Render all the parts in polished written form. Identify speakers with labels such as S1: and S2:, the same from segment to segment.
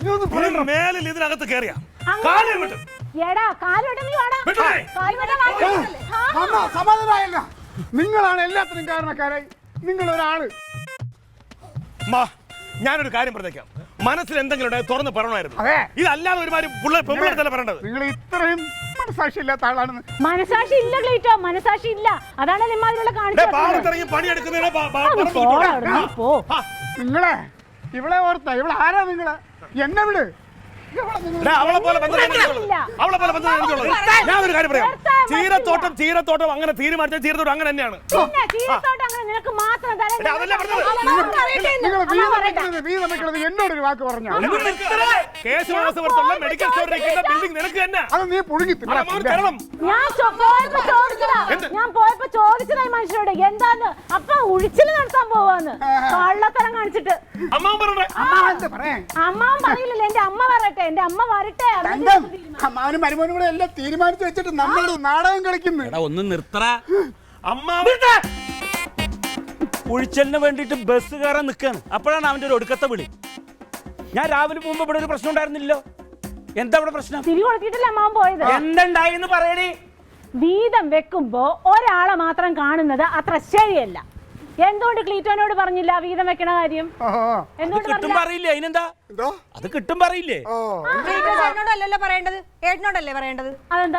S1: മേലിൽ ഇതിനകത്ത് കയറിയ
S2: സമാധാനമായല്ല. നിങ്ങളാണ് എല്ലാത്തിനും കാരണക്കാരായി. നിങ്ങളൊരാള്.
S1: ഞാനൊരു കാര്യം പറഞ്ഞേക്കാം, മനസ്സിൽ എന്തെങ്കിലും ഉണ്ടെങ്കിൽ തുറന്ന് പറയണമായിരുന്നു. ഇതല്ലാതെ ഒരുമാതിരി പെമ്പിള്ളേരല്ലേ പറയേണ്ടത്.
S2: നിങ്ങൾ ഇത്രയും മനസാക്ഷി ഇല്ലാത്ത ആളാണെന്ന്.
S3: മനസാക്ഷി ഇല്ല ക്ലീറ്റോ, മനസാക്ഷി ഇല്ല. അതാണ് നിമ്മാതിരിയുള്ള
S1: കാണിച്ചു പണിയെടുക്കുന്നതിനെ
S2: നിങ്ങളെ ഇവിടെ ഓർത്ത ഇവിടെ ആരാ നിങ്ങള്? എന്നെ വിട്.
S1: അവളെ പോലെ ഞാൻ ഒരു കാര്യം പറയാം, ചീരത്തോട്ടം അങ്ങനെ തീരുമാനിച്ച ചീരത്തോട്ടം അങ്ങനെ തന്നെയാണ്.
S2: എന്നോടൊരു വാക്ക് പറഞ്ഞു.
S1: മെഡിക്കൽ സ്റ്റോറിലേക്ക് ബിൽഡിംഗ് നിനക്ക് തന്നെ.
S2: അത് നീ പുഴുങ്ങി
S3: ഞാൻ പോയപ്പോ ചോദിച്ചതായി മനുഷ്യരോട് എന്താന്ന്. അപ്പൊ ഉഴിച്ചില് നടത്താൻ പോവാന്ന് കള്ളത്തരം കാണിച്ചിട്ട്. അമ്മാവൻ പറയില്ലല്ലോ, എന്റെ അമ്മ പറയട്ടെ, എന്റെ അമ്മ വരട്ടെ.
S2: അമ്മാവനും മരുമോനും കൂടെ എല്ലാം തീരുമാനിച്ചു വെച്ചിട്ട് നമ്മൾ നാടകം കളിക്കുന്നു.
S4: ഒന്ന് നിർത്തറ. ഉഴിച്ചലിന് വേണ്ടിട്ട് ബസ് കയറാൻ നിൽക്കാണ്. അപ്പോഴാണ് അവന്റെ ഒരു ഒടുക്കത്തെ വിളി. ഞാൻ രാവിലെ പോകുമ്പോ ഇവിടെ ഒരു പ്രശ്നം ഉണ്ടായിരുന്നില്ലല്ലോ. എന്താ ഇവിടെ പ്രശ്നം?
S3: തിരി കൊടുത്തിട്ടല്ലേ അമ്മാവൻ പോയത്.
S4: എന്തുണ്ടായിന്ന് പറയണേ.
S3: വീതം വെക്കുമ്പോ ഒരാളെ മാത്രം കാണുന്നത് അത്ര ശരിയല്ല. എന്തുകൊണ്ട് ക്ലീറ്റോനോട് പറഞ്ഞില്ല വീതം വെക്കണ കാര്യം?
S4: കിട്ടും പറയില്ലേ? അതിനെന്താ അത് കിട്ടും പറയില്ലേ?
S5: അല്ലല്ലോ പറയേണ്ടത്, ഏട്ടനോടല്ലേ പറയേണ്ടത്.
S3: അതെന്താ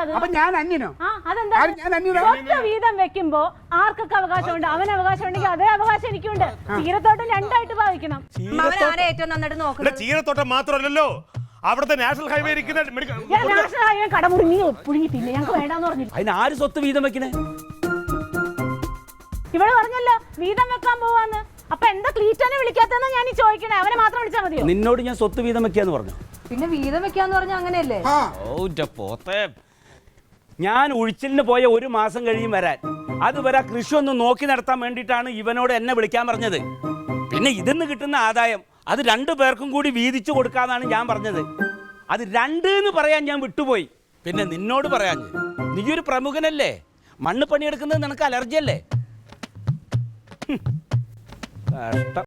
S3: വീതം വെക്കുമ്പോ ആർക്കൊക്കെ അവകാശമുണ്ട്? അവന് അവകാശം ഉണ്ടെങ്കിൽ അതേ അവകാശം എനിക്കുണ്ട്. ചീരത്തോട്ടം രണ്ടായിട്ട് ഭാവിക്കണം.
S5: ഏറ്റവും നന്നായിട്ട് നോക്കുന്നത്
S1: ചീരത്തോട്ടം മാത്രമല്ലല്ലോ, അവിടുത്തെ നാഷണൽ ഹൈവേ
S3: നാഷണൽ ഹൈവേ കടമുറിഞ്ഞി പുഴുങ്ങി തിന്നെ ഞങ്ങൾക്ക് വേണ്ടെന്ന് പറഞ്ഞു.
S4: അതിന് ആര് സ്വത്ത് വീതം വെക്കണേ?
S3: ഇവിടെ പറഞ്ഞല്ലോ വീതം വെക്കാൻ പോവാന്ന്. അപ്പൊ എന്താ ക്ലീറ്റോനെ വിളിക്കാത്തെന്ന് ഞാൻ ചോദിക്കണേ. അവനെ മാത്രം വിളിച്ചാൽ മതിയോ?
S4: നിന്നോട് ഞാൻ സ്വത്ത് വീതം വെക്കാന്ന് പറഞ്ഞു.
S5: പിന്നെ വീതം വെക്കാന്ന് പറഞ്ഞ അങ്ങനെയല്ലേ?
S4: ഞാൻ ഉഴിച്ചിലിന് പോയ ഒരു മാസം കഴിയും വരാൻ. അതുവരെ കൃഷി ഒന്ന് നോക്കി നടത്താൻ വേണ്ടിയിട്ടാണ് ഇവനോട് എന്നെ വിളിക്കാൻ പറഞ്ഞത്. പിന്നെ ഇതിന്ന് കിട്ടുന്ന ആദായം അത് 2 പേർക്കും കൂടി വീതിച്ചു കൊടുക്കാന്നാണ് ഞാൻ പറഞ്ഞത്. അത് 2 എന്ന് പറയാൻ ഞാൻ വിട്ടുപോയി. പിന്നെ നിന്നോട് പറയാൻ, നീയൊരു പ്രമുഖനല്ലേ, മണ്ണ് പണിയെടുക്കുന്നത് നിനക്ക് അലർജി അല്ലേ?